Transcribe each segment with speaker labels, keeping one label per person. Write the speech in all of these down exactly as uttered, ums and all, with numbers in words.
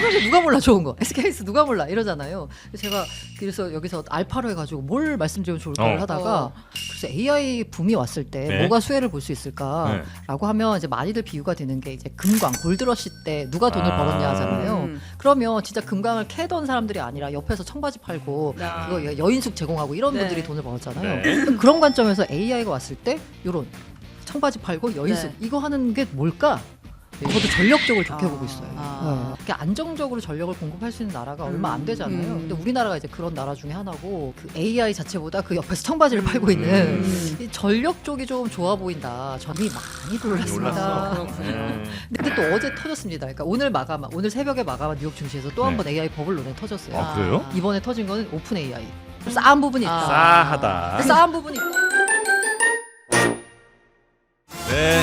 Speaker 1: 삼성전자 누가 몰라 좋은 거, 에스케이에스 누가 몰라 이러잖아요. 제가 그래서 여기서 알파로 해가지고 뭘 말씀드리면 좋을까를
Speaker 2: 어.
Speaker 1: 하다가
Speaker 3: 어.
Speaker 1: 그래서 에이아이 붐이 왔을 때
Speaker 2: 네.
Speaker 1: 뭐가 수혜를 볼 수 있을까라고
Speaker 2: 네.
Speaker 1: 하면 이제 많이들 비유가 되는 게 이제 금광 골드러시 때 누가 돈을
Speaker 2: 아.
Speaker 1: 벌었냐 하잖아요.
Speaker 3: 음.
Speaker 1: 그러면 진짜 금광을 캐던 사람들이 아니라 옆에서 청바지 팔고
Speaker 3: 아.
Speaker 1: 그거 여- 여인숙 제공하고 이런
Speaker 3: 네.
Speaker 1: 분들이 돈을 벌었잖아요.
Speaker 2: 네.
Speaker 1: 그런 관점에서 에이아이가 왔을 때 이런 청바지 팔고 여인숙
Speaker 3: 네.
Speaker 1: 이거 하는 게 뭘까? 저도 전력적으로 좋게
Speaker 3: 아.
Speaker 1: 보고 있어요.
Speaker 3: 아.
Speaker 1: 네. 이렇게 안정적으로 전력을 공급할 수 있는 나라가 얼마 안 되잖아요.
Speaker 3: 음.
Speaker 1: 근데 우리나라가 이제 그런 나라 중에 하나고 그 에이아이 자체보다 그 옆에서 청바지를 팔고 있는
Speaker 3: 음.
Speaker 1: 이 전력 쪽이 좀 좋아 보인다. 점이 많이 놀랐습니다.
Speaker 2: 올랐어.
Speaker 3: 그렇군요.
Speaker 2: 네.
Speaker 1: 근데 또 어제 터졌습니다. 그러니까 오늘 마감, 오늘 새벽에 마감한 뉴욕 증시에서 또 한 번 에이아이 버블 논에 터졌어요.
Speaker 2: 아, 그래요?
Speaker 1: 이번에 터진 거는 오픈 에이아이. 싸한 부분이 있다.
Speaker 3: 아.
Speaker 2: 싸하다.
Speaker 1: 싸한 부분이 있다.
Speaker 2: 네.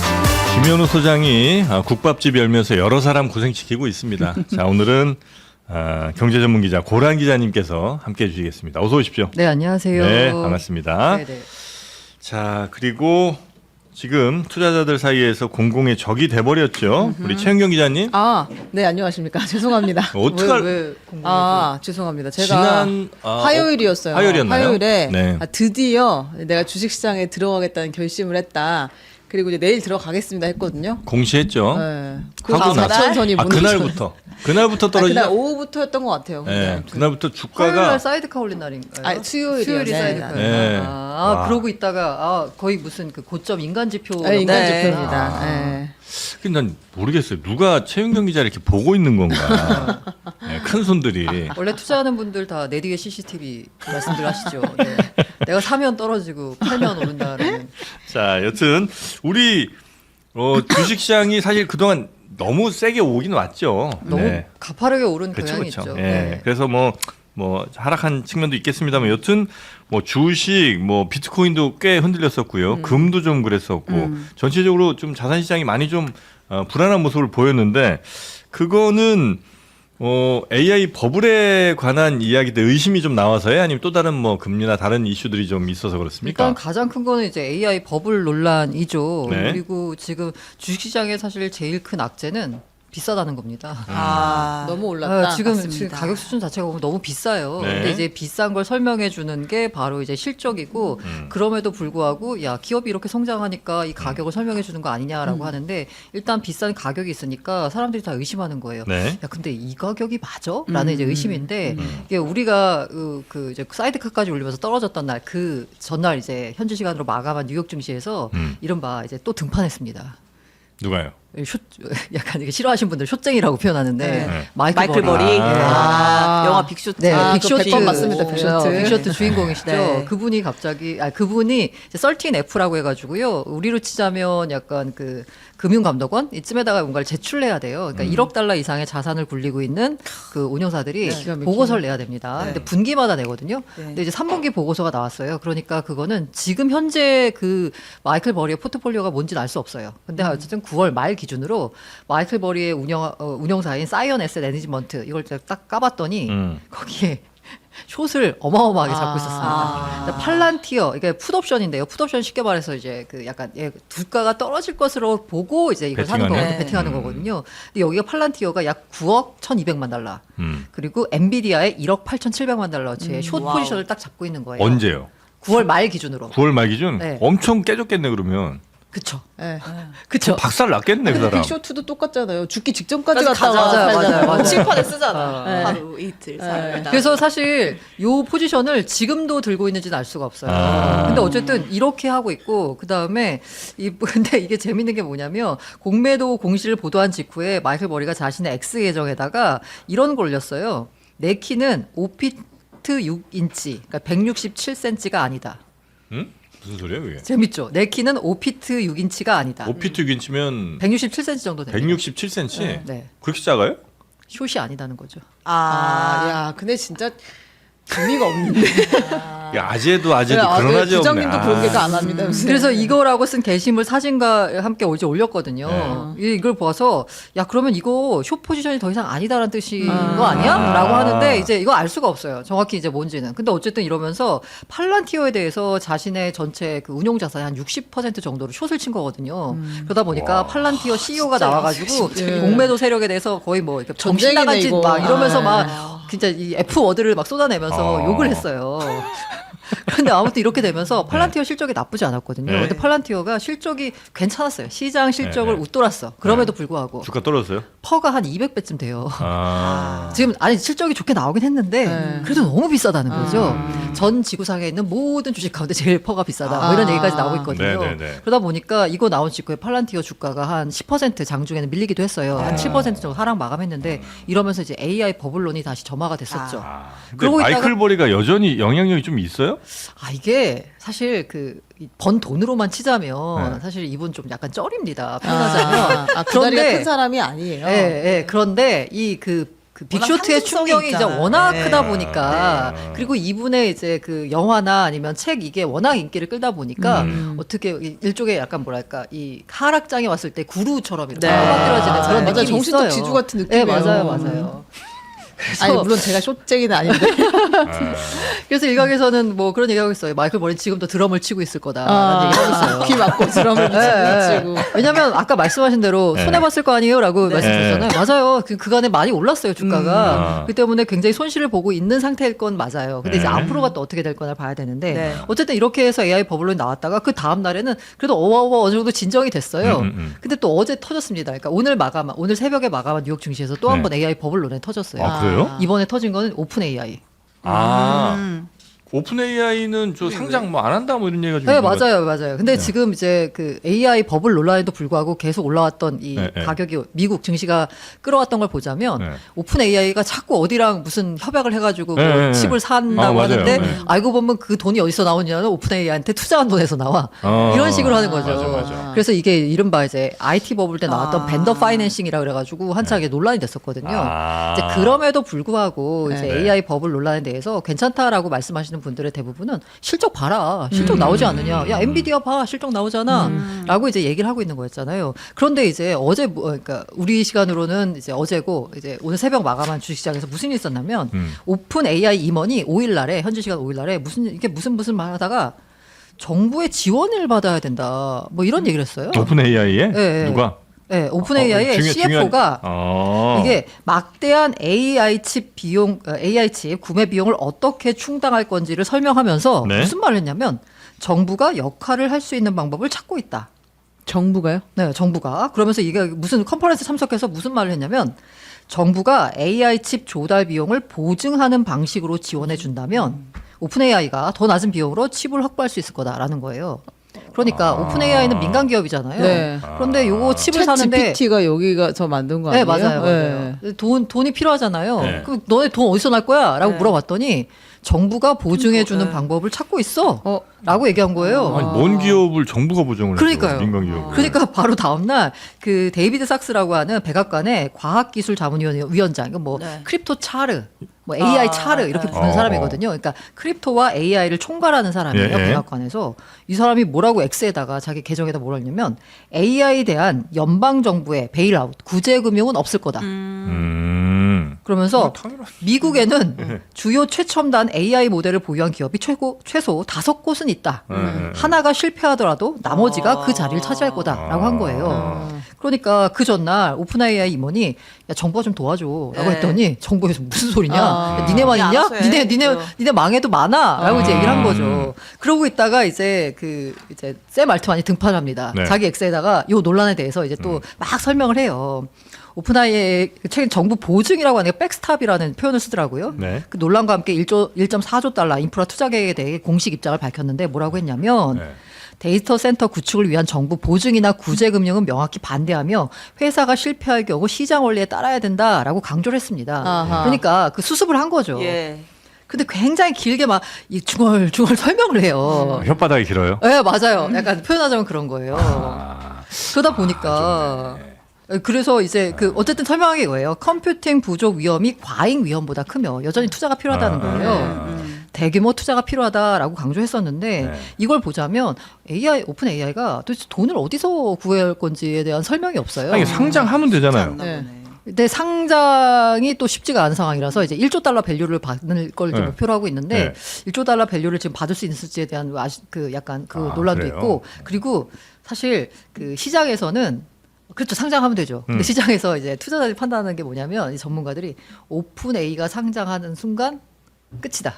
Speaker 2: 김현우 소장이 아, 국밥집 열면서 여러 사람 고생시키고 있습니다. 자, 오늘은 아, 경제전문기자 고란 기자님께서 함께해 주시겠습니다. 어서 오십시오.
Speaker 1: 네, 안녕하세요.
Speaker 2: 네, 반갑습니다.
Speaker 1: 네네.
Speaker 2: 자, 그리고 지금 투자자들 사이에서 공공의 적이 돼버렸죠. 우리 최은경 기자님.
Speaker 3: 아, 네, 안녕하십니까. 죄송합니다.
Speaker 2: 어떡할
Speaker 1: 왜, 왜 공부를
Speaker 3: 아, 죄송합니다. 제가
Speaker 2: 지난 아,
Speaker 3: 화요일이었어요.
Speaker 2: 어, 화요일이었나요?
Speaker 3: 화요일에
Speaker 2: 네.
Speaker 3: 아, 드디어 내가 주식시장에 들어가겠다는 결심을 했다. 그리고 이제 내일 들어가겠습니다 했거든요.
Speaker 2: 공시했죠.
Speaker 3: 네.
Speaker 2: 어? 하고 나서-
Speaker 3: 사천선이
Speaker 2: 아, 그날부터 그날부터
Speaker 3: 아,
Speaker 2: 떨어지죠.
Speaker 3: 그날 오후부터였던 것 같아요.
Speaker 2: 네,
Speaker 3: 그날.
Speaker 2: 그날부터
Speaker 1: 화요일
Speaker 2: 주가가
Speaker 1: 날 사이드카 올린 날인가요?
Speaker 3: 아, 수요일이요.
Speaker 1: 수요일이
Speaker 3: 네,
Speaker 1: 사이드카.
Speaker 2: 네.
Speaker 1: 아,
Speaker 2: 와.
Speaker 1: 아 그러고 있다가 아, 거의 무슨 그 고점 인간 지표.
Speaker 3: 네, 인간
Speaker 1: 네.
Speaker 3: 지표입니다.
Speaker 1: 아.
Speaker 3: 네.
Speaker 2: 근데 난 모르겠어요. 누가 최은경 기자를 이렇게 보고 있는 건가? 네, 큰 손들이.
Speaker 1: 원래 투자하는 분들 다 내 뒤에 씨씨티비 말씀들 하시죠. 네. 내가 사면 떨어지고 팔면 오른다라는.
Speaker 2: 자, 여튼 우리 어, 주식시장이 사실 그동안 너무 세게 오긴 왔죠.
Speaker 1: 너무
Speaker 2: 네.
Speaker 1: 가파르게 오른
Speaker 2: 그렇죠,
Speaker 1: 경향이
Speaker 2: 그렇죠.
Speaker 1: 있죠.
Speaker 2: 예.
Speaker 1: 네.
Speaker 2: 그래서 뭐, 뭐 하락한 측면도 있겠습니다만, 여튼 뭐 주식, 뭐 비트코인도 꽤 흔들렸었고요,
Speaker 1: 음.
Speaker 2: 금도 좀 그랬었고,
Speaker 3: 음.
Speaker 2: 전체적으로 좀 자산 시장이 많이 좀 어, 불안한 모습을 보였는데, 그거는 어, 에이아이 버블에 관한 이야기들 의심이 좀 나와서요, 아니면 또 다른 뭐 금리나 다른 이슈들이 좀 있어서 그렇습니까?
Speaker 1: 일단 가장 큰 거는 이제 에이아이 버블 논란이죠.
Speaker 2: 네.
Speaker 1: 그리고 지금 주식시장에 사실 제일 큰 악재는 비싸다는 겁니다.
Speaker 3: 아, 너무 올랐다.
Speaker 1: 아, 지금,
Speaker 3: 맞습니다.
Speaker 1: 지금 가격 수준 자체가 보면 너무 비싸요.
Speaker 2: 네.
Speaker 1: 근데 이제 비싼 걸 설명해 주는 게 바로 이제 실적이고
Speaker 2: 음.
Speaker 1: 그럼에도 불구하고 야 기업이 이렇게 성장하니까 이 가격을 설명해 주는 거 아니냐라고
Speaker 3: 음.
Speaker 1: 하는데 일단 비싼 가격이 있으니까 사람들이 다 의심하는 거예요.
Speaker 2: 네. 음.
Speaker 1: 야 근데 이 가격이 맞아? 라는
Speaker 3: 음.
Speaker 1: 이제 의심인데 이게 우리가 그, 그 이제 사이드카까지 올리면서 떨어졌던 날 그 전날 이제 현지 시간으로 마감한 뉴욕 증시에서
Speaker 2: 음.
Speaker 1: 이른바 이제 또 등판했습니다.
Speaker 2: 누가요?
Speaker 1: 쇼, 약간 이게 싫어하시는 분들 쇼쟁이라고 표현하는데
Speaker 3: 네.
Speaker 1: 마이클,
Speaker 3: 마이클
Speaker 1: 버리.
Speaker 3: 버리.
Speaker 2: 아.
Speaker 3: 아, 영화 빅쇼트.
Speaker 1: 네,
Speaker 3: 아,
Speaker 1: 빅쇼트
Speaker 3: 빅쇼트 백 번 맞습니다. 빅쇼트.
Speaker 1: 어, 빅쇼트 주인공이시죠.
Speaker 3: 네.
Speaker 1: 그분이 갑자기 아 그분이 설틴 에프라고 해가지고요. 우리로 치자면 약간 그 금융감독원 이쯤에다가 뭔가를 제출해야 돼요. 그러니까
Speaker 2: 음.
Speaker 1: 일억 달러 이상의 자산을 굴리고 있는 그 운용사들이
Speaker 3: 네. 기가 막히네.
Speaker 1: 보고서를 내야 됩니다.
Speaker 3: 네.
Speaker 1: 근데 분기마다 내거든요.
Speaker 3: 네.
Speaker 1: 근데 이제 삼 분기 보고서가 나왔어요. 그러니까 그거는 지금 현재 그 마이클 버리의 포트폴리오가 뭔지는 알 수 없어요. 근데
Speaker 3: 음.
Speaker 1: 어쨌든 구월 말 기준으로 마이클 버리의 운영 어, 운용사인 사이언 에셋 매니지먼트 이걸 딱 까봤더니
Speaker 2: 음.
Speaker 1: 거기에 숏을 어마어마하게 잡고
Speaker 3: 아.
Speaker 1: 있었습니다.
Speaker 3: 아.
Speaker 1: 그러니까 팔란티어 이게 풋옵션인데요. 풋옵션 쉽게 말해서 이제 그 약간 예, 두가가 떨어질 것으로 보고 이제 이걸 사는
Speaker 2: 베팅하는?
Speaker 1: 거거든요.
Speaker 3: 네.
Speaker 1: 베팅하는
Speaker 2: 음.
Speaker 1: 거거든요. 근데 여기가 팔란티어가 약 구억 천이백만 달러.
Speaker 2: 음.
Speaker 1: 그리고 엔비디아의 일억 팔천칠백만 달러치의
Speaker 3: 음,
Speaker 1: 숏
Speaker 3: 와우.
Speaker 1: 포지션을 딱 잡고 있는 거예요.
Speaker 2: 언제요?
Speaker 1: 구월 말 기준으로.
Speaker 2: 구월 말 기준?
Speaker 1: 네.
Speaker 2: 엄청 깨졌겠네, 그러면.
Speaker 1: 그쵸.
Speaker 3: 네.
Speaker 1: 그쵸.
Speaker 2: 박살 났겠네, 그 사람.
Speaker 3: 빅쇼트도 똑같잖아요. 죽기 직전까지
Speaker 1: 그래서
Speaker 3: 갔다가
Speaker 1: 가자, 맞아요,
Speaker 3: 살잖아요.
Speaker 1: 맞아요.
Speaker 4: 칠판에 쓰잖아.
Speaker 3: 네.
Speaker 4: 하루 이틀 살다.
Speaker 1: 그래서 사실 요 포지션을 지금도 들고 있는지는 알 수가 없어요.
Speaker 2: 아.
Speaker 1: 근데 어쨌든 이렇게 하고 있고 그다음에 이 근데 이게 재밌는 게 뭐냐면 공매도 공시를 보도한 직후에 마이클 버리가 자신의 X 계정에다가 이런 걸 올렸어요. 내 키는 오 피트 육 인치, 그러니까 백육십칠 센티미터가 아니다.
Speaker 2: 응? 무슨 소리야, 그게?
Speaker 1: 재밌죠? 내 키는 오 피트 육 인치가 아니다.
Speaker 2: 오 피트 육 인치면
Speaker 1: 백육십칠 센티미터 정도 됩니다.
Speaker 2: 백육십칠 센티미터?
Speaker 1: 네.
Speaker 2: 그렇게 작아요?
Speaker 1: 숏이 아니다는 거죠.
Speaker 3: 아, 야, 근데 진짜 재미가 없는데.
Speaker 2: 야, 아재도 아재도
Speaker 3: 아,
Speaker 2: 그런
Speaker 3: 네,
Speaker 2: 아재 없네.
Speaker 3: 부장님도
Speaker 2: 아.
Speaker 3: 그런 게안 합니다. 요새.
Speaker 1: 그래서 이거라고 쓴 게시물 사진과 함께 어제 올렸거든요. 이- 이걸 봐서 야 그러면 이거 숏 포지션이 더 이상 아니다라는 뜻인
Speaker 3: 아.
Speaker 1: 거 아니야?
Speaker 2: 아.
Speaker 1: 라고 하는데 이제 이거 알 수가 없어요. 정확히 이제 뭔지는. 근데 어쨌든 이러면서 팔란티어에 대해서 자신의 전체 그 운용 자산의 한 육십 퍼센트 정도로 숏을 친 거거든요. 그러다 보니까
Speaker 2: 와.
Speaker 1: 팔란티어 씨이오가 나와가지고
Speaker 3: 진짜.
Speaker 1: 공매도 세력에 대해서 거의 뭐 이렇게 정신
Speaker 3: 전쟁이네,
Speaker 1: 나간 짓
Speaker 3: 이거.
Speaker 1: 막 이러면서
Speaker 3: 아.
Speaker 1: 막 진짜 이 F 워드를 막 쏟아내면서
Speaker 2: 아.
Speaker 1: 욕을 했어요. 근데 아무튼 이렇게 되면서 팔란티어 실적이 나쁘지 않았거든요.
Speaker 2: 네.
Speaker 1: 근데 팔란티어가 실적이 괜찮았어요. 시장 실적을
Speaker 2: 네, 네.
Speaker 1: 웃돌았어. 그럼에도 불구하고
Speaker 2: 주가 떨어졌어요?
Speaker 1: 퍼가 한 이백 배쯤 돼요.
Speaker 2: 아.
Speaker 1: 지금 아니 실적이 좋게 나오긴 했는데
Speaker 3: 네.
Speaker 1: 그래도 너무 비싸다는 거죠.
Speaker 3: 아.
Speaker 1: 전 지구상에 있는 모든 주식 가운데 제일 퍼가 비싸다. 뭐 이런
Speaker 3: 아.
Speaker 1: 얘기까지 나오고 있거든요.
Speaker 2: 네, 네, 네.
Speaker 1: 그러다 보니까 이거 나온 직후에 팔란티어 주가가 한 십 퍼센트 장중에는 밀리기도 했어요. 한 칠 퍼센트 정도 하락 마감했는데 이러면서 이제 에이아이 버블론이 다시 점화가 됐었죠.
Speaker 2: 아. 근데
Speaker 1: 그러고
Speaker 2: 마이클
Speaker 1: 있다가-
Speaker 2: 버리가 여전히 영향력이 좀 있어요?
Speaker 1: 아 이게 사실 그 번 돈으로만 치자면
Speaker 2: 네.
Speaker 1: 사실 이분 좀 약간 쩔입니다. 표현하자면.
Speaker 3: 아, 아, 그 다리가 큰 사람이 아니에요.
Speaker 1: 예, 예. 그런데 이 그 그
Speaker 4: 워낙
Speaker 1: 빅쇼트의
Speaker 4: 상징성이
Speaker 1: 충격이 이제
Speaker 4: 있잖아요.
Speaker 1: 워낙
Speaker 4: 네.
Speaker 1: 크다 보니까
Speaker 2: 네.
Speaker 1: 그리고 이분의 이제 그 영화나 아니면 책 이게 워낙 인기를 끌다 보니까
Speaker 2: 음.
Speaker 1: 어떻게 이- 일종의 약간 뭐랄까 이 하락장에 왔을 때 구루처럼 이렇게
Speaker 4: 네.
Speaker 1: 떠받들어지는
Speaker 3: 아,
Speaker 1: 그런
Speaker 3: 맞아요.
Speaker 1: 느낌이
Speaker 3: 정신적
Speaker 1: 있어요.
Speaker 3: 지주 같은
Speaker 1: 네,
Speaker 3: 느낌이에요.
Speaker 1: 맞아요, 맞아요.
Speaker 3: 아니 물론 제가 숏쟁이는 아닌데.
Speaker 2: 아.
Speaker 1: 그래서 일각에서는 뭐 그런 얘기하고 있어요. 마이클 버린 지금도 드럼을 치고 있을 거다라는
Speaker 3: 아,
Speaker 1: 얘기하고 있어요.
Speaker 3: 귀 막고 드럼을
Speaker 1: 네,
Speaker 3: 치고.
Speaker 1: 네. 왜냐면 아까 말씀하신 대로
Speaker 2: 네.
Speaker 1: 손해봤을 거 아니에요라고
Speaker 4: 네.
Speaker 1: 말씀드렸잖아요. 맞아요. 그 그간에 많이 올랐어요 주가가.
Speaker 2: 음.
Speaker 1: 그 때문에 굉장히 손실을 보고 있는 상태일 건 맞아요. 근데 이제
Speaker 2: 네.
Speaker 1: 앞으로가 또 어떻게 될 거나 봐야 되는데
Speaker 4: 네.
Speaker 1: 어쨌든 이렇게 해서 에이아이 버블론이 나왔다가 그 다음 날에는 그래도 어와어와 어느 정도 진정이 됐어요.
Speaker 2: 음, 음, 음.
Speaker 1: 근데 또 어제 터졌습니다. 그러니까 오늘 마감 오늘 새벽에 마감한 뉴욕 증시에서 또 한
Speaker 2: 네.
Speaker 1: 번 에이아이 버블론에 터졌어요.
Speaker 2: 아, 그래요?
Speaker 1: 이번에 터진 거는 오픈 에이아이.
Speaker 2: 아.
Speaker 4: 음.
Speaker 2: 오픈 에이아이는 저 상장 뭐 안 한다 뭐 이런 얘기가 좀
Speaker 1: 네,
Speaker 2: 있는 것
Speaker 1: 맞아요, 맞아요. 근데 지금 이제 그 에이아이 버블 논란에도 불구하고 계속 올라왔던 이
Speaker 2: 네, 네.
Speaker 1: 가격이 미국 증시가 끌어왔던 걸 보자면
Speaker 2: 네.
Speaker 1: 오픈 에이아이가 자꾸 어디랑 무슨 협약을 해가지고
Speaker 2: 네,
Speaker 1: 뭐
Speaker 2: 네, 네.
Speaker 1: 칩을
Speaker 2: 아,
Speaker 1: 산다고
Speaker 2: 맞아요.
Speaker 1: 하는데
Speaker 2: 네.
Speaker 1: 알고 보면 그 돈이 어디서 나오냐면 오픈 에이아이한테 투자한 돈에서 나와.
Speaker 2: 어.
Speaker 1: 이런 식으로 하는 거죠.
Speaker 2: 맞아, 맞아.
Speaker 1: 그래서 이게 이른바 이제 아이티 버블 때 나왔던
Speaker 4: 아.
Speaker 1: 벤더 파이낸싱이라 그래가지고 한창 이게 논란이 됐었거든요.
Speaker 2: 아.
Speaker 1: 이제 그럼에도 불구하고 이제
Speaker 2: 네.
Speaker 1: 에이아이 버블 논란에 대해서 괜찮다라고 말씀하시는 분들의 대부분은 실적 봐라. 실적 나오지 않느냐. 야, 엔비디아 봐. 실적 나오잖아. 라고 이제 얘기를 하고 있는 거였잖아요. 그런데 이제 어제, 뭐, 그러니까 우리 시간으로는 이제 어제고 이제 오늘 새벽 마감한 주식시장에서 무슨 일이 있었냐면
Speaker 2: 음.
Speaker 1: 오픈 에이아이 임원이 오 일 날에, 현지 시간 오 일 날에 무슨, 이게 무슨 무슨 말 하다가 정부의 지원을 받아야 된다. 뭐 이런 얘기를 했어요.
Speaker 2: 오픈 에이아이에
Speaker 1: 네,
Speaker 2: 누가?
Speaker 1: 네, 오픈 에이아이의
Speaker 2: 어, 중요-
Speaker 1: 씨에프오가
Speaker 2: 중요한- 어.
Speaker 1: 이게 막대한 에이아이 칩 비용, 어, 에이아이 칩 구매 비용을 어떻게 충당할 건지를 설명하면서
Speaker 2: 네.
Speaker 1: 무슨 말을 했냐면 정부가 역할을 할 수 있는 방법을 찾고 있다.
Speaker 3: 정부가요?
Speaker 1: 네, 정부가. 그러면서 이게 무슨 컨퍼런스 참석해서 무슨 말을 했냐면 정부가 에이아이 칩 조달 비용을 보증하는 방식으로 지원해 준다면 오픈 에이아이가 더 낮은 비용으로 칩을 확보할 수 있을 거다라는 거예요. 그러니까
Speaker 2: 아.
Speaker 1: 오픈 에이아이는 민간 기업이잖아요.
Speaker 3: 네.
Speaker 1: 그런데 요거 칩을
Speaker 3: 챗
Speaker 1: 사는데
Speaker 3: 지피티가 여기가 저 만든 거
Speaker 1: 네,
Speaker 3: 아니에요?
Speaker 1: 맞아요, 맞아요. 돈 돈이 필요하잖아요.
Speaker 2: 네.
Speaker 1: 그럼 너네 돈 어디서 날 거야?라고
Speaker 4: 네.
Speaker 1: 물어봤더니 정부가 보증해 주는
Speaker 4: 네.
Speaker 1: 방법을 찾고 있어.
Speaker 3: 어.
Speaker 1: 라고 얘기한 거예요.
Speaker 2: 아니, 뭔 기업을 정부가 보증을
Speaker 1: 그러니까요.
Speaker 2: 해요? 민간 기업.
Speaker 1: 그러니까 바로 다음 날그 데이비드 삭스라고 하는 백악관의 과학기술자문위원장, 이거 뭐
Speaker 4: 네.
Speaker 1: 크립토 차르, 뭐 에이아이
Speaker 4: 아,
Speaker 1: 차르 이렇게
Speaker 4: 네.
Speaker 1: 부르는
Speaker 2: 어,
Speaker 1: 사람이거든요. 그러니까 크립토와 에이아이를 총괄하는 사람이에요.
Speaker 2: 예, 예.
Speaker 1: 백악관에서 이 사람이 뭐라고 X에다가 자기 계정에다 뭐라 했냐면 에이아이에 대한 연방 정부의 베일아웃, 구제 금융은 없을 거다.
Speaker 2: 음.
Speaker 1: 그러면서
Speaker 2: 어, 당연하-
Speaker 1: 미국에는
Speaker 2: 네.
Speaker 1: 주요 최첨단 에이아이 모델을 보유한 기업이 최고 최소 다섯 곳은 있다.
Speaker 2: 네, 네.
Speaker 1: 하나가 실패하더라도 나머지가
Speaker 4: 아.
Speaker 1: 그 자리를 차지할 거다라고 한 거예요.
Speaker 2: 아.
Speaker 1: 그러니까 그 전날 오픈 에이아이 임원이 야 정부가 좀 도와줘라고
Speaker 4: 네.
Speaker 1: 했더니 정부에서 무슨 소리냐?
Speaker 3: 아.
Speaker 1: 야, 니네만
Speaker 4: 야,
Speaker 1: 있냐?
Speaker 4: 알아서 해.
Speaker 1: 니네 니네
Speaker 4: 그래요.
Speaker 1: 니네 망해도 많아라고
Speaker 2: 아.
Speaker 1: 이제 얘기를 한 거죠. 그러고 있다가 이제 그 이제 샘 알트만이 등판합니다.
Speaker 2: 네.
Speaker 1: 자기 엑스에다가 요 논란에 대해서 이제 또 막 설명을 해요. 오픈아이의 최근 정부 보증이라고 하는 게 백스탑이라는 표현을 쓰더라고요.
Speaker 2: 네.
Speaker 1: 그 논란과 함께 일조 일 점 사조 달러 인프라 투자 계획에 대해 공식 입장을 밝혔는데 뭐라고 했냐면
Speaker 2: 네.
Speaker 1: 데이터 센터 구축을 위한 정부 보증이나 구제 금융은 명확히 반대하며 회사가 실패할 경우 시장 원리에 따라야 된다라고 강조를 했습니다.
Speaker 3: 아하.
Speaker 1: 그러니까 그 수습을 한 거죠.
Speaker 4: 예.
Speaker 1: 근데 굉장히 길게 막 이 중얼중얼 설명을 해요.
Speaker 2: 아, 혓바닥이 길어요?
Speaker 1: 네, 맞아요. 약간 표현하자면 그런 거예요.
Speaker 2: 아.
Speaker 1: 그러다 보니까 그래서 이제 그 어쨌든 설명한 게 이거예요. 컴퓨팅 부족 위험이 과잉 위험보다 크며 여전히 투자가 필요하다는
Speaker 2: 아,
Speaker 1: 거예요.
Speaker 2: 아,
Speaker 1: 대규모 투자가 필요하다라고 강조했었는데
Speaker 2: 네.
Speaker 1: 이걸 보자면 에이아이 오픈 에이아이가 도대체 돈을 어디서 구할 건지에 대한 설명이 없어요.
Speaker 2: 아니 상장하면 되잖아요.
Speaker 3: 네.
Speaker 1: 근데 상장이 또 쉽지가 않은 상황이라서 이제 일조 달러 밸류를 받는 걸 이제
Speaker 2: 네.
Speaker 1: 목표로 하고 있는데
Speaker 2: 네.
Speaker 1: 일조 달러 밸류를 지금 받을 수 있을지에 대한 아시, 그 약간 그
Speaker 2: 아,
Speaker 1: 논란도
Speaker 2: 그래요?
Speaker 1: 있고 그리고 사실 그 시장에서는 그렇죠 상장하면 되죠. 근데
Speaker 2: 음.
Speaker 1: 시장에서 이제 투자자들이 판단하는 게 뭐냐면 이 전문가들이 오픈 A가 상장하는 순간 끝이다.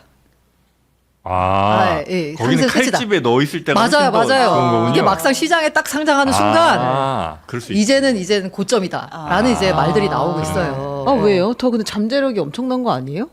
Speaker 2: 아,
Speaker 1: 아, 예,
Speaker 2: 거기는
Speaker 1: 상승 끝이다.
Speaker 2: 칼집에 넣어 있을 때가
Speaker 1: 맞아요,
Speaker 2: 훨씬 더
Speaker 1: 맞아요.
Speaker 2: 그런 거군요.
Speaker 1: 이게 막상 시장에 딱 상장하는 순간
Speaker 2: 아, 그럴 수 있
Speaker 1: 이제는 이제는 고점이다라는 이제 말들이 나오고 있어요.
Speaker 3: 아 왜요? 더 근데 잠재력이 엄청난 거 아니에요?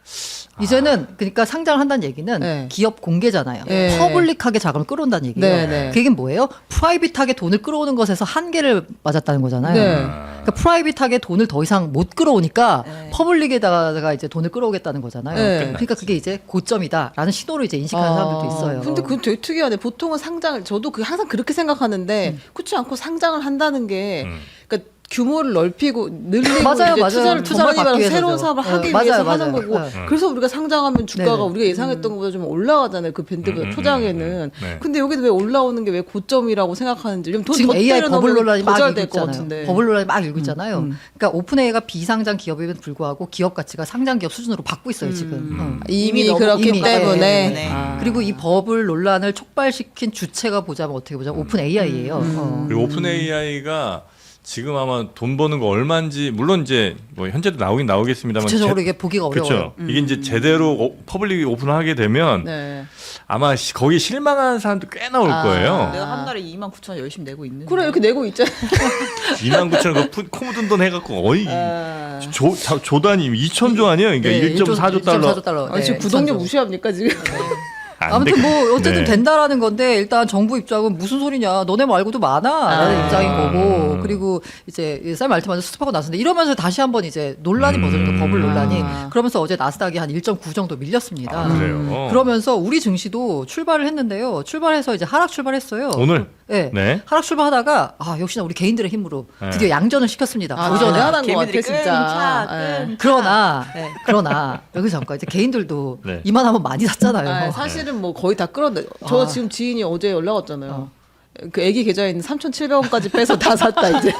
Speaker 1: 이제는 그러니까 상장을 한다는 얘기는
Speaker 3: 네.
Speaker 1: 기업 공개잖아요.
Speaker 3: 네.
Speaker 1: 퍼블릭하게 자금을 끌어온다는 얘기예요.
Speaker 3: 네, 네.
Speaker 1: 그 얘기는 뭐예요? 프라이빗하게 돈을 끌어오는 것에서 한계를 맞았다는 거잖아요.
Speaker 3: 네.
Speaker 1: 그러니까 프라이빗하게 돈을 더 이상 못 끌어오니까
Speaker 4: 네.
Speaker 1: 퍼블릭에다가 이제 돈을 끌어오겠다는 거잖아요.
Speaker 3: 네.
Speaker 1: 그러니까 그게 이제 고점이다라는 신호를 이제 인식하는
Speaker 3: 아,
Speaker 1: 사람들도 있어요.
Speaker 3: 근데 그건 되게 특이하네. 보통은 상장을 저도 그 항상 그렇게 생각하는데 그렇지 않고 상장을 한다는 게
Speaker 2: 음.
Speaker 3: 그러니까 규모를 넓히고 늘리고
Speaker 1: 맞아요,
Speaker 3: 이제
Speaker 1: 맞아요.
Speaker 3: 투자를
Speaker 1: 투자를
Speaker 3: 더 많이
Speaker 1: 받기
Speaker 3: 받아서
Speaker 1: 위해서죠.
Speaker 3: 새로운 사업을
Speaker 1: 네,
Speaker 3: 하기
Speaker 1: 맞아요,
Speaker 3: 위해서
Speaker 1: 맞아요.
Speaker 3: 하는 거고
Speaker 1: 네.
Speaker 3: 그래서 우리가 상장하면 주가가
Speaker 1: 네.
Speaker 3: 우리가 예상했던 것보다 좀 올라가잖아요. 그 밴드보다
Speaker 2: 음, 음,
Speaker 3: 초장에는.
Speaker 2: 음, 네.
Speaker 3: 근데 여기도 왜 올라오는 게 왜 고점이라고 생각하는지 좀 돈
Speaker 1: 지금
Speaker 3: 더
Speaker 1: 에이아이
Speaker 3: 때려
Speaker 1: 버블
Speaker 3: 넣으면
Speaker 1: 논란이
Speaker 3: 더
Speaker 1: 막
Speaker 3: 잘
Speaker 1: 일고
Speaker 3: 될 것
Speaker 1: 있잖아요.
Speaker 3: 같은데.
Speaker 1: 버블 논란이 막 일고 있잖아요.
Speaker 3: 음.
Speaker 1: 그러니까 오픈에이가 비상장 기업임에도 불구하고 기업 가치가 상장 기업 수준으로 받고 있어요 지금.
Speaker 2: 음.
Speaker 1: 어.
Speaker 3: 이미,
Speaker 4: 이미 너무
Speaker 3: 그렇기
Speaker 1: 이미,
Speaker 3: 때문에.
Speaker 1: 네,
Speaker 4: 네.
Speaker 3: 아.
Speaker 1: 그리고 이 버블 논란을 촉발시킨 주체가 보자면 어떻게 보자면 오픈 에이아이예요. 어.
Speaker 2: 그리고 오픈 에이아이가 지금 아마 돈 버는 거 얼마인지 물론 이제 뭐 현재도 나오긴 나오겠습니다만
Speaker 1: 구체적으로 이게 보기가 어려워요.
Speaker 2: 그렇죠. 이게 이제 제대로 오- 퍼블릭이 오픈하게 되면
Speaker 3: 네.
Speaker 2: 아마 시, 거기 실망하는 사람도 꽤 나올
Speaker 3: 아.
Speaker 2: 거예요.
Speaker 4: 내가 한 달에 이만 구천 원 열심히 내고 있는데.
Speaker 3: 그래 이렇게 내고 있잖아요.
Speaker 2: 이만 구천 원 그 코 묻은 돈 해갖고 어이
Speaker 3: 아.
Speaker 2: 조, 자, 조 단위 이천조 아니에요? 그러니까
Speaker 1: 네,
Speaker 2: 일 점 사조 달러.
Speaker 1: 일점 사조 달러.
Speaker 3: 아, 지금
Speaker 1: 네,
Speaker 3: 구독료
Speaker 1: 이천조.
Speaker 3: 무시합니까 지금?
Speaker 2: 안
Speaker 1: 아무튼
Speaker 2: 돼.
Speaker 1: 뭐 어쨌든
Speaker 2: 네.
Speaker 1: 된다라는 건데 일단 정부 입장은 무슨 소리냐 너네 말고도 많아라는
Speaker 3: 아.
Speaker 1: 입장인 거고
Speaker 2: 음.
Speaker 1: 그리고 이제 쌀 말트만을 수습하고 나섰는데 이러면서 다시 한번 이제 논란이
Speaker 2: 음.
Speaker 1: 벌어졌죠 버블 논란이
Speaker 3: 아.
Speaker 1: 그러면서 어제 나스닥이 한 일 점 구 정도 밀렸습니다.
Speaker 2: 아, 그래요.
Speaker 1: 그러면서 우리 증시도 출발을 했는데요. 출발해서 이제 하락 출발했어요.
Speaker 2: 오늘
Speaker 1: 네.
Speaker 2: 네.
Speaker 1: 하락 출발하다가 아 역시나 우리 개인들의 힘으로
Speaker 2: 네.
Speaker 1: 드디어 양전을 시켰습니다.
Speaker 3: 아,
Speaker 1: 도전을.
Speaker 3: 대단한 것 같아
Speaker 4: 개미들이
Speaker 3: 진짜.
Speaker 4: 끈,
Speaker 3: 예.
Speaker 4: 끈.
Speaker 1: 그러나
Speaker 4: 네.
Speaker 1: 그러나 여기서 잠깐 이제 개인들도
Speaker 2: 네.
Speaker 1: 이만하면 많이 샀잖아요.
Speaker 3: 아, 사실은 뭐 거의 다 끌었네. 저
Speaker 1: 아.
Speaker 3: 지금 지인이 어제 연락 왔잖아요. 그 애기 계좌에 있는 삼천칠백 원까지 빼서 다 샀다 이제.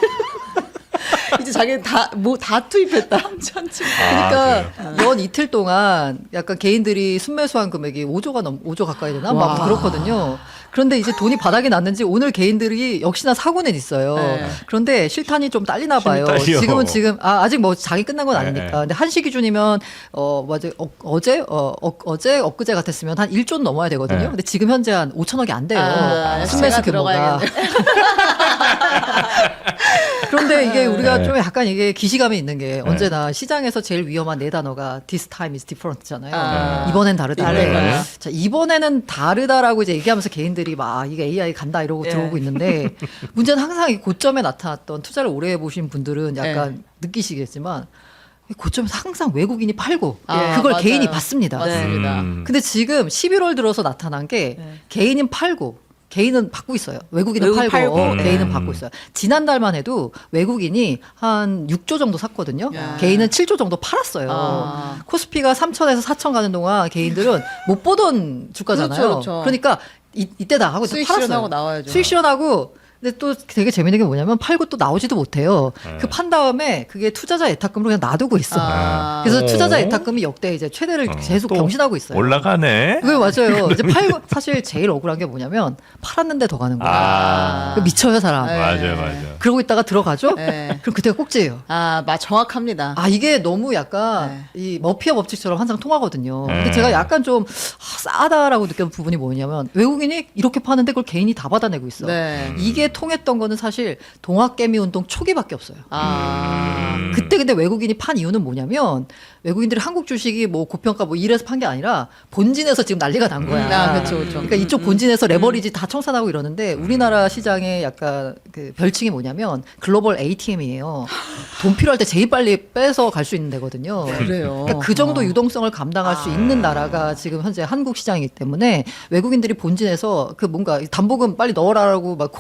Speaker 3: 이제 자기는 다 뭐 다 투입했다. 삼천칠백.
Speaker 1: 그러니까
Speaker 2: 아,
Speaker 1: 연 이틀 동안 약간 개인들이 순매수한 금액이 오조가 넘 오조 가까이 되나 막
Speaker 3: 와.
Speaker 1: 그렇거든요. 그런데 이제 돈이 바닥에 났는지 오늘 개인들이 역시나 사고는 있어요.
Speaker 3: 네.
Speaker 1: 그런데 실탄이 좀 딸리나
Speaker 2: 힘이
Speaker 1: 봐요.
Speaker 2: 딸려.
Speaker 1: 지금은 지금 아, 아직 뭐 장이 끝난 건
Speaker 2: 네,
Speaker 1: 아니니까.
Speaker 2: 네.
Speaker 1: 근데 한시 기준이면 어 맞아 어, 어제 어, 어 어제 엊그제 같았으면 한 일 조는 넘어야 되거든요.
Speaker 2: 네.
Speaker 1: 근데 지금 현재 한 오천억이 안 돼요.
Speaker 3: 아,
Speaker 1: 순매수
Speaker 3: 제가
Speaker 1: 규모가.
Speaker 3: 들어가야겠네.
Speaker 1: 그런데 이게 우리가
Speaker 2: 네.
Speaker 1: 좀 약간 이게 기시감이 있는 게 언제나 시장에서 제일 위험한 네 단어가 this time is different잖아요.
Speaker 3: 아.
Speaker 1: 이번엔 다르다.
Speaker 3: 다르다.
Speaker 1: 자, 이번에는 다르다라고 이제 얘기하면서 개인들이 막 이게 에이아이 간다 이러고
Speaker 4: 예.
Speaker 1: 들어오고 있는데 문제는 항상 이 고점에 나타났던 투자를 오래 해보신 분들은 약간 느끼시겠지만 고점에서 항상 외국인이 팔고
Speaker 3: 아,
Speaker 1: 그걸
Speaker 3: 맞아요.
Speaker 1: 개인이 받습니다.
Speaker 3: 맞습니다.
Speaker 2: 음.
Speaker 1: 근데 지금 십일월 들어서 나타난 게
Speaker 4: 네.
Speaker 1: 개인은 팔고 개인은 받고 있어요. 외국인은
Speaker 4: 외국인
Speaker 1: 팔고,
Speaker 4: 팔고,
Speaker 1: 어,
Speaker 2: 네.
Speaker 1: 개인은 받고 있어요. 지난달만 해도 외국인이 한 육 조 정도 샀거든요.
Speaker 3: 야.
Speaker 1: 개인은 칠 조 정도 팔았어요.
Speaker 3: 아.
Speaker 1: 코스피가 삼천에서 사천 가는 동안 개인들은 못 보던 주가잖아요.
Speaker 3: 그렇죠, 그렇죠.
Speaker 1: 그러니까 이, 이때다 하고
Speaker 3: 수익
Speaker 1: 팔았어요.
Speaker 3: 실현하고 나와야죠.
Speaker 1: 수익 실현하고 근데 또 되게 재밌는 게 뭐냐면 팔고 또 나오지도 못해요.
Speaker 2: 네.
Speaker 1: 그 판 다음에 그게 투자자 예탁금으로 그냥 놔두고 있어.
Speaker 3: 아.
Speaker 1: 그래서
Speaker 2: 오.
Speaker 1: 투자자 예탁금이 역대 이제 최대를
Speaker 2: 어,
Speaker 1: 계속
Speaker 2: 또
Speaker 1: 경신하고 있어요.
Speaker 2: 올라가네.
Speaker 1: 그게 맞아요. 이제 팔고 사실 제일 억울한 게 뭐냐면 팔았는데 더 가는 거야.
Speaker 2: 아.
Speaker 1: 그 미쳐요 사람.
Speaker 3: 네.
Speaker 2: 맞아요, 맞아요.
Speaker 1: 그러고 있다가 들어가죠.
Speaker 3: 네.
Speaker 1: 그럼 그때가 꼭지예요.
Speaker 3: 아, 마 정확합니다.
Speaker 1: 아 이게 너무 약간 이 머피의 법칙처럼 항상 통하거든요. 근데
Speaker 2: 네.
Speaker 1: 제가 약간 좀 아, 싸다라고 느꼈던 부분이 뭐냐면 외국인이 이렇게 파는데 그걸 개인이 다 받아내고 있어.
Speaker 3: 네.
Speaker 1: 이게 통했던 거는 사실 동학개미 운동 초기밖에 없어요.
Speaker 3: 아.
Speaker 2: 음.
Speaker 1: 그때 근데 외국인이 판 이유는 뭐냐면 외국인들이 한국 주식이 뭐 고평가 뭐 이래서 판 게 아니라 본진에서 지금 난리가 난 거야.
Speaker 3: 아, 그렇죠, 그렇죠.
Speaker 1: 그러니까 이쪽 본진에서 레버리지 다 청산하고 이러는데 우리나라 시장의 약간 그 별칭이 뭐냐면 글로벌 에이티엠이에요. 돈 필요할 때 제일 빨리 빼서 갈 수 있는 데거든요.
Speaker 3: 그래요.
Speaker 1: 그러니까 그 정도 유동성을 감당할 수 있는 나라가 지금 현재 한국 시장이기 때문에 외국인들이 본진에서 그 뭔가 담보금 빨리 넣어라라고 막 콜이 오면은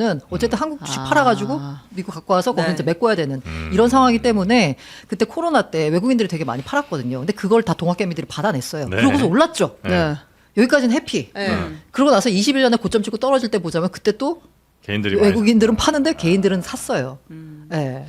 Speaker 1: 거는 어쨌든 한국 주식
Speaker 3: 아.
Speaker 1: 팔아가지고 미국 갖고 와서 거기
Speaker 4: 네.
Speaker 1: 이제 메꿔야 되는
Speaker 2: 음.
Speaker 1: 이런 상황이기 때문에 그때 코로나 때 외국인들이 되게 많이 팔았거든요. 근데 그걸 다 동학개미들이 받아냈어요.
Speaker 2: 네.
Speaker 1: 그러고서 올랐죠.
Speaker 2: 네.
Speaker 3: 네.
Speaker 1: 여기까지는 해피.
Speaker 3: 네.
Speaker 1: 그러고 나서 이십일 년에 고점 찍고 떨어질 때 보자면 그때 또
Speaker 2: 개인들이 많이
Speaker 1: 외국인들은 파는데 개인들은 샀어요. 네.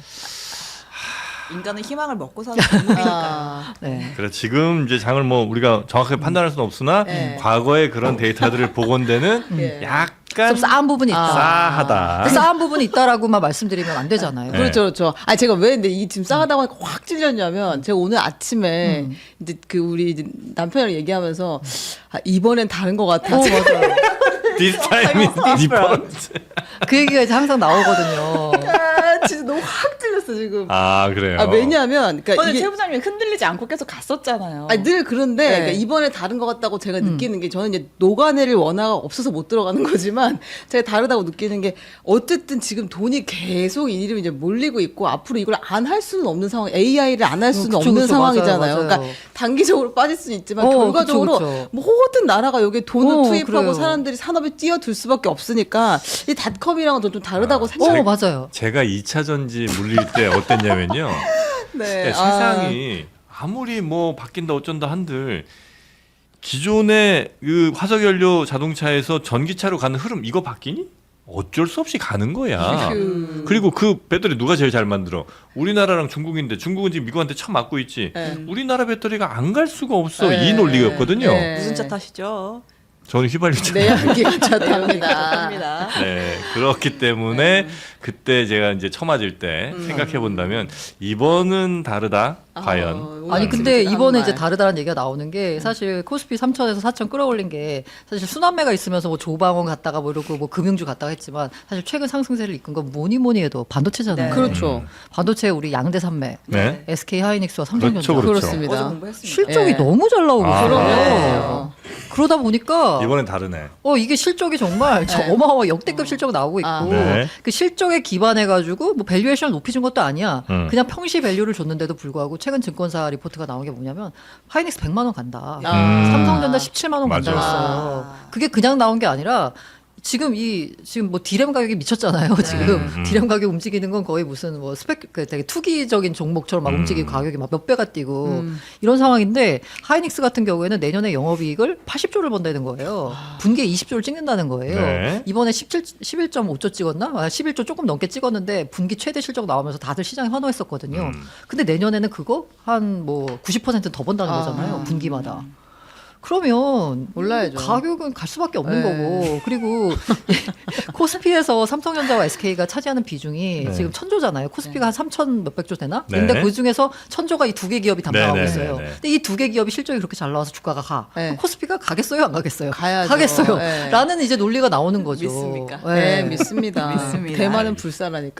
Speaker 4: 인간은 희망을 먹고 사는 동물이니까.
Speaker 3: 아,
Speaker 1: 네.
Speaker 2: 그래 지금 이제 장을 뭐 우리가 정확하게 판단할 수는 없으나
Speaker 3: 네.
Speaker 2: 과거의 그런 데이터들을 보건대는
Speaker 3: 예.
Speaker 2: 약간
Speaker 1: 좀 싸한 부분이 있다.
Speaker 3: 아.
Speaker 2: 싸하다.
Speaker 1: 근데 싸한 부분이 있다라고만 말씀드리면 안 되잖아요.
Speaker 2: 네.
Speaker 3: 그렇죠, 그렇죠. 아 제가 왜 근데 이 지금 싸가다고 하니까 확 찔렸냐면 제가 오늘 아침에
Speaker 1: 음.
Speaker 3: 이제 그 우리 이제 남편이랑 얘기하면서 아, 이번엔 다른 것 같아.
Speaker 1: 어, 맞아요.
Speaker 2: This time is different.
Speaker 1: 그 얘기가 이제 항상 나오거든요.
Speaker 3: 아, 진짜 너무 확 찔렸어 지금.
Speaker 2: 아 그래요.
Speaker 3: 아 왜냐하면 그러니까
Speaker 4: 오늘
Speaker 3: 이게
Speaker 4: 최 부장님이 흔들리지 않고 계속 갔었잖아요.
Speaker 3: 아니, 늘 그런데
Speaker 4: 네.
Speaker 3: 그러니까 이번에 다른 것 같다고 제가 느끼는 게 저는 이제 녹아내릴 원화가 없어서 못 들어가는 거지만 제가 다르다고 느끼는 게 어쨌든 지금 돈이 계속 이리로 이제 몰리고 있고 앞으로 이걸 안 할 수는 없는 상황, 에이아이를 안 할 수는
Speaker 1: 어, 그쵸,
Speaker 3: 없는
Speaker 1: 그쵸,
Speaker 3: 상황이잖아요.
Speaker 1: 맞아요, 맞아요.
Speaker 3: 그러니까 단기적으로 빠질 수는 있지만
Speaker 1: 어,
Speaker 3: 결과적으로
Speaker 1: 그쵸, 그쵸.
Speaker 3: 모든 나라가 여기에 돈을
Speaker 1: 어,
Speaker 3: 투입하고
Speaker 1: 그래요.
Speaker 3: 사람들이 산업에 뛰어들 수밖에 없으니까 이 닷컴이랑은 좀 다르다고
Speaker 1: 어,
Speaker 3: 생각해요.
Speaker 1: 맞아요.
Speaker 2: 제가 이 차 전지 물릴 때 어땠냐면요.
Speaker 3: 네.
Speaker 2: 야, 세상이 아무리 뭐 바뀐다 어쩐다 한들 기존의 그 화석연료 자동차에서 전기차로 가는 흐름 이거 바뀌니? 어쩔 수 없이 가는 거야.
Speaker 3: 그-
Speaker 2: 그리고 그 배터리 누가 제일 잘 만들어? 우리나라랑 중국인데 중국은 지금 미국한테 처음 맞고 있지.
Speaker 3: 네.
Speaker 2: 우리나라 배터리가 안 갈 수가 없어.
Speaker 3: 네.
Speaker 2: 이 논리였거든요.
Speaker 3: 네.
Speaker 4: 무슨 차 타시죠?
Speaker 2: 저는 휘발유차.
Speaker 3: 내 향기가 좋답니다.
Speaker 4: 감사합니다.
Speaker 2: 네, 그렇기 때문에 그때 제가 이제 처맞을 때 생각해 본다면 이번은 다르다. 과연.
Speaker 3: 어,
Speaker 1: 아니
Speaker 3: 오늘
Speaker 1: 근데
Speaker 3: 지금
Speaker 1: 이번에
Speaker 3: 한
Speaker 1: 이제
Speaker 3: 말.
Speaker 1: 다르다는 얘기가 나오는 게 사실 코스피 삼천에서 사천 끌어올린 게 사실 순환매가 있으면서 뭐 조방원 갔다가 뭐 이러고 뭐 금융주 갔다가 했지만 사실 최근 상승세를 이끈 건 뭐니 뭐니 해도 반도체잖아요.
Speaker 4: 네.
Speaker 3: 그렇죠.
Speaker 1: 반도체 우리 양대 산매
Speaker 2: 네.
Speaker 1: 에스케이 하이닉스와 삼성전자
Speaker 2: 그렇죠, 그렇죠.
Speaker 3: 그렇습니다.
Speaker 4: 어제 공부했습니다.
Speaker 1: 실적이
Speaker 3: 예.
Speaker 1: 너무 잘 나오고
Speaker 2: 아.
Speaker 1: 있어요.
Speaker 3: 그러네요.
Speaker 1: 그러다 보니까
Speaker 2: 이번엔 다르네.
Speaker 1: 어 이게 실적이 정말 저
Speaker 3: 네.
Speaker 1: 어마어마 역대급 실적 나오고 있고
Speaker 3: 아.
Speaker 2: 네.
Speaker 1: 그 실적에 기반해 가지고 뭐 밸류에이션을 높이준 것도 아니야.
Speaker 2: 음.
Speaker 1: 그냥 평시 밸류를 줬는데도 불구하고 최근 증권사 리포트가 나온 게 뭐냐면 하이닉스 백만 원 간다.
Speaker 3: 아.
Speaker 1: 삼성전자 십칠만 원
Speaker 2: 맞아.
Speaker 1: 간다 그랬어요. 그게 그냥 나온 게 아니라 지금 이 지금 뭐 디램 가격이 미쳤잖아요. 지금
Speaker 2: 음.
Speaker 1: 디램 가격 움직이는 건 거의 무슨 뭐 스펙 그 되게 투기적인 종목처럼 막
Speaker 2: 음.
Speaker 1: 움직이고 가격이 막 몇 배가 뛰고
Speaker 3: 음.
Speaker 1: 이런 상황인데 하이닉스 같은 경우에는 내년에 영업이익을 팔십조를 번다는 거예요. 분기에 이십조를 찍는다는 거예요.
Speaker 2: 네.
Speaker 1: 이번에 십칠, 십일 점 오조 찍었나? 아, 십일조 조금 넘게 찍었는데 분기 최대 실적 나오면서 다들 시장에 환호했었거든요.
Speaker 2: 음.
Speaker 1: 근데 내년에는 그거 한 뭐 구십 퍼센트 더 번다는
Speaker 3: 아.
Speaker 1: 거잖아요. 분기마다. 그러면
Speaker 3: 올라야죠.
Speaker 1: 가격은 갈 수밖에 없는
Speaker 3: 네.
Speaker 1: 거고 그리고 코스피에서 삼성전자와 에스케이가 차지하는 비중이
Speaker 2: 네.
Speaker 1: 지금 천조잖아요. 코스피가 한 삼천 몇백 조 되나?
Speaker 2: 네.
Speaker 1: 근데 그 중에서 천조가 이 두 개 기업이 담당하고
Speaker 2: 네, 네,
Speaker 1: 있어요.
Speaker 2: 네, 네.
Speaker 1: 근데 이 두 개 기업이 실적이 그렇게 잘 나와서 주가가 가.
Speaker 3: 네.
Speaker 1: 그럼 코스피가 가겠어요, 안 가겠어요?
Speaker 3: 가야죠.
Speaker 1: 가겠어요.
Speaker 3: 네.
Speaker 1: 라는 이제 논리가 나오는 거죠.
Speaker 4: 믿습니까?
Speaker 3: 네, 믿습니다.
Speaker 4: 믿습니다.
Speaker 3: 대만은 불사라니까.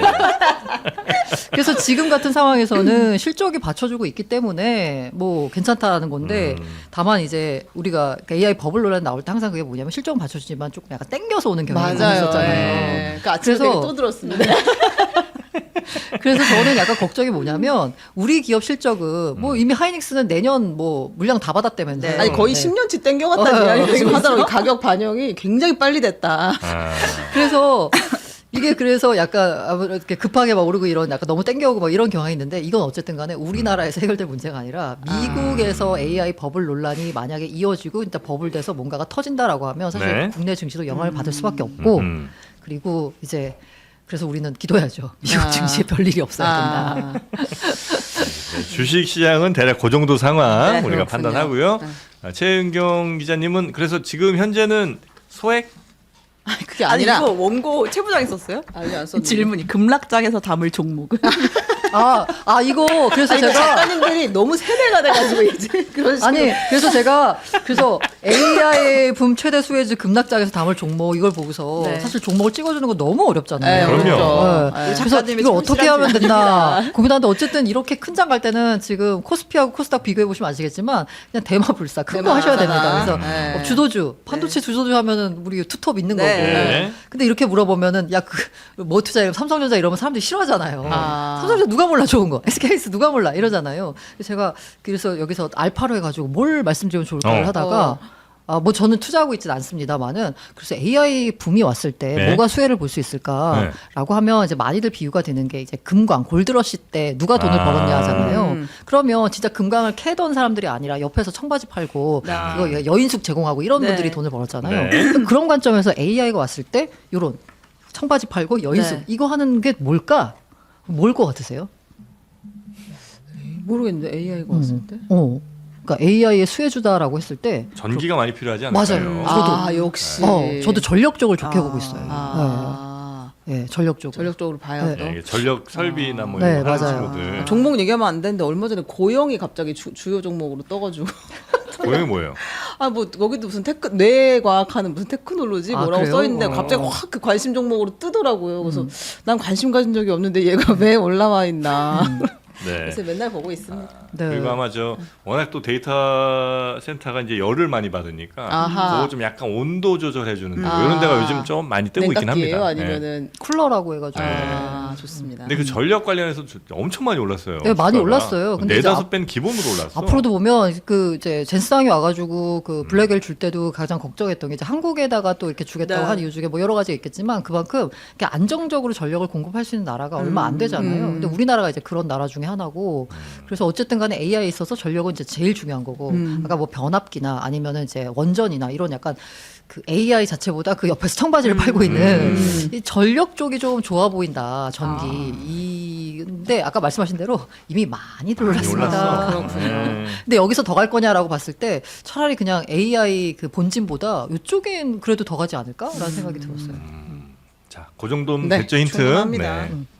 Speaker 1: 그래서 지금 같은 상황에서는 실적이 받쳐주고 있기 때문에 뭐 괜찮다는 건데
Speaker 2: 음.
Speaker 1: 다만 이제 우리가 그러니까 에이아이 버블 논란 나올 때 항상 그게 뭐냐면 실적은 받쳐주지만 조금 약간 땡겨서 오는 경향이
Speaker 3: 맞아요.
Speaker 1: 있었잖아요.
Speaker 3: 네. 그 아침에
Speaker 1: 그래서-
Speaker 3: 되게 또 들었습니다.
Speaker 1: 그래서 저는 약간 걱정이 뭐냐면 우리 기업 실적은 뭐 이미 하이닉스는 내년 뭐 물량 다 받았다면서
Speaker 4: 네.
Speaker 3: 아니 거의
Speaker 1: 네.
Speaker 3: 십 년치 땡겨갔다는
Speaker 1: 어,
Speaker 3: 이야기
Speaker 1: 어,
Speaker 3: 지금
Speaker 1: 어,
Speaker 3: 하더라고요. 가격 반영이 굉장히 빨리 됐다.
Speaker 2: 아.
Speaker 1: 그래서 이게 그래서 약간 아무래도 이렇게 급하게 막 오르고 이런 약간 너무 땡겨오고 막 이런 경향이 있는데 이건 어쨌든 간에 우리나라에서 해결될 문제가 아니라 미국에서 에이아이 버블 논란이 만약에 이어지고 일단 버블 돼서 뭔가가 터진다라고 하면 사실
Speaker 2: 네.
Speaker 1: 국내 증시도 영향을 받을 수밖에 없고
Speaker 2: 음.
Speaker 1: 그리고 이제 그래서 우리는 기도해야죠. 미국
Speaker 3: 아.
Speaker 1: 증시에 별일이 없어야 된다.
Speaker 3: 아,
Speaker 2: 네, 주식 시장은 대략 그 정도 상황
Speaker 4: 네,
Speaker 2: 우리가
Speaker 3: 그렇군요.
Speaker 2: 판단하고요.
Speaker 3: 네.
Speaker 2: 아, 최은경 기자님은 그래서 지금 현재는 소액
Speaker 3: 아니, 그게
Speaker 4: 아니
Speaker 3: 아니라
Speaker 4: 이거 원고 최 부장이 썼어요?
Speaker 3: 아니 안 썼는데.
Speaker 4: 질문이 급락장에서 담을 종목은
Speaker 1: 아, 아 이거 그래서
Speaker 3: 아니,
Speaker 1: 제가
Speaker 3: 작가님들이 너무 세대가 돼가지고 이제 그런 식으로.
Speaker 1: 아니 그래서 제가 그래서 에이아이 붐 최대 수혜주 급락장에서 담을 종목 이걸 보고서
Speaker 4: 네.
Speaker 1: 사실 종목을 찍어주는 거 너무 어렵잖아요.
Speaker 3: 네,
Speaker 2: 그럼요.
Speaker 3: 어렵죠.
Speaker 1: 네.
Speaker 3: 네.
Speaker 1: 그래서
Speaker 4: 작가님의
Speaker 1: 이걸 어떻게
Speaker 4: 성실한
Speaker 1: 하면 된다 고민하는데 어쨌든 이렇게 큰 장 갈 때는 지금 코스피하고 코스닥 비교해 보시면 아시겠지만 그냥 대마불사 큰 거
Speaker 3: 대마.
Speaker 1: 하셔야 됩니다. 그래서
Speaker 3: 네.
Speaker 1: 어, 주도주 반도체 주도주 하면은 우리 투톱 있는
Speaker 4: 네.
Speaker 1: 거고.
Speaker 2: 네.
Speaker 1: 근데 이렇게 물어보면은 야 그 뭐 투자 이러면 삼성전자 이러면 사람들이 싫어하잖아요.
Speaker 3: 아.
Speaker 1: 삼성전자 누가 몰라 좋은 거, 에스케이에스 누가 몰라 이러잖아요. 그래서 제가 그래서 여기서 알파로 해가지고 뭘 말씀드리면 좋을까를
Speaker 2: 어.
Speaker 1: 하다가.
Speaker 3: 어.
Speaker 1: 아, 뭐 저는 투자하고 있지는 않습니다만은 그래서 에이아이 붐이 왔을 때
Speaker 2: 네.
Speaker 1: 뭐가 수혜를 볼 수 있을까라고 하면 이제 많이들 비유가 되는 게 이제 금광 골드러시 때 누가 돈을
Speaker 2: 아.
Speaker 1: 벌었냐 하잖아요.
Speaker 3: 음.
Speaker 1: 그러면 진짜 금광을 캐던 사람들이 아니라 옆에서 청바지 팔고
Speaker 4: 아.
Speaker 1: 그거 여인숙 제공하고 이런
Speaker 4: 네.
Speaker 1: 분들이 돈을 벌었잖아요.
Speaker 2: 네.
Speaker 1: 그런 관점에서 에이아이가 왔을 때 요런 청바지 팔고 여인숙
Speaker 4: 네.
Speaker 1: 이거 하는 게 뭘까? 뭘 것 같으세요?
Speaker 3: 모르겠는데 에이아이가 왔을 때.
Speaker 1: 어. 그러니까 에이아이의 수혜주다라고 했을 때
Speaker 2: 전기가 많이 필요하지 않을까요?
Speaker 1: 맞아요.
Speaker 3: 아 역시.
Speaker 1: 어, 저도 전력적으로 좋게
Speaker 4: 아.
Speaker 1: 보고 있어요.
Speaker 3: 아,
Speaker 1: 네, 네, 전력적으로.
Speaker 3: 전력적으로 봐야 또.
Speaker 2: 네, 이게 전력 설비나 뭐
Speaker 1: 네,
Speaker 2: 이런 거 하는
Speaker 1: 맞아요.
Speaker 2: 친구들.
Speaker 3: 종목 얘기하면 안 되는데 얼마 전에 고영이 갑자기 주, 주요 종목으로 떠가지고
Speaker 2: 고용이 뭐예요?
Speaker 3: 아 뭐 거기도 무슨 테크 뇌과학하는 무슨 테크놀로지
Speaker 1: 아,
Speaker 3: 뭐라고
Speaker 1: 그래요?
Speaker 3: 써 있는데
Speaker 2: 어.
Speaker 3: 갑자기 확 그 관심 종목으로 뜨더라고요. 그래서 난 관심 가진 적이 없는데 얘가 왜 올라와 있나.
Speaker 2: 네.
Speaker 3: 그래서 맨날 보고 있습니다.
Speaker 1: 네.
Speaker 2: 그리고 아마 저 워낙 또 데이터 센터가 이제 열을 많이 받으니까
Speaker 3: 아하.
Speaker 2: 그거 좀 약간 온도 조절해 주는 데
Speaker 3: 아.
Speaker 2: 이런 데가 요즘 좀 많이 뜨고 있긴
Speaker 3: 냉각기예요?
Speaker 2: 합니다. 네.
Speaker 3: 아니면은
Speaker 1: 쿨러라고 해가지고.
Speaker 3: 아 좋습니다.
Speaker 2: 근데 그 전력 관련해서 저- 엄청 많이 올랐어요.
Speaker 1: 네, 많이
Speaker 2: 주가가.
Speaker 1: 올랐어요. 근데 이제
Speaker 2: 네다섯
Speaker 1: 앞-
Speaker 2: 배는 기본으로 올랐어.
Speaker 1: 앞으로도 보면 그 이제 젠스당이 와가지고
Speaker 2: 음.
Speaker 1: 그 블랙엘 줄 때도 가장 걱정했던 게 이제 한국에다가 또 이렇게 주겠다고
Speaker 4: 네.
Speaker 1: 하는 이유 중에 뭐 여러 가지 있겠지만 그만큼 이렇게 안정적으로 전력을 공급할 수 있는 나라가 얼마 안 되잖아요.
Speaker 3: 음.
Speaker 1: 근데 우리나라가 이제 그런 나라 중에 하나고 그래서 어쨌든 간에 에이아이에 있어서 전력은 이제 제일 중요한 거고
Speaker 3: 음.
Speaker 1: 아까 뭐 변압기나 아니면은 이제 원전이나 이런 약간 그 에이아이 자체보다 그 옆에서 청바지를 팔고 있는
Speaker 3: 음.
Speaker 1: 이 전력 쪽이 좀 좋아 보인다 전기
Speaker 2: 아.
Speaker 1: 이 근데 아까 말씀하신 대로 이미 많이
Speaker 2: 많이
Speaker 1: 올랐습니다.
Speaker 2: 올랐어. 네.
Speaker 1: 근데 여기서 더 갈 거냐라고 봤을 때 차라리 그냥 에이아이 그 본진보다 이쪽엔 그래도 더 가지 않을까라는 생각이 들었어요.
Speaker 2: 자, 그 정도면
Speaker 3: 네,
Speaker 2: 됐죠 힌트.
Speaker 3: 충분합니다.
Speaker 2: 네.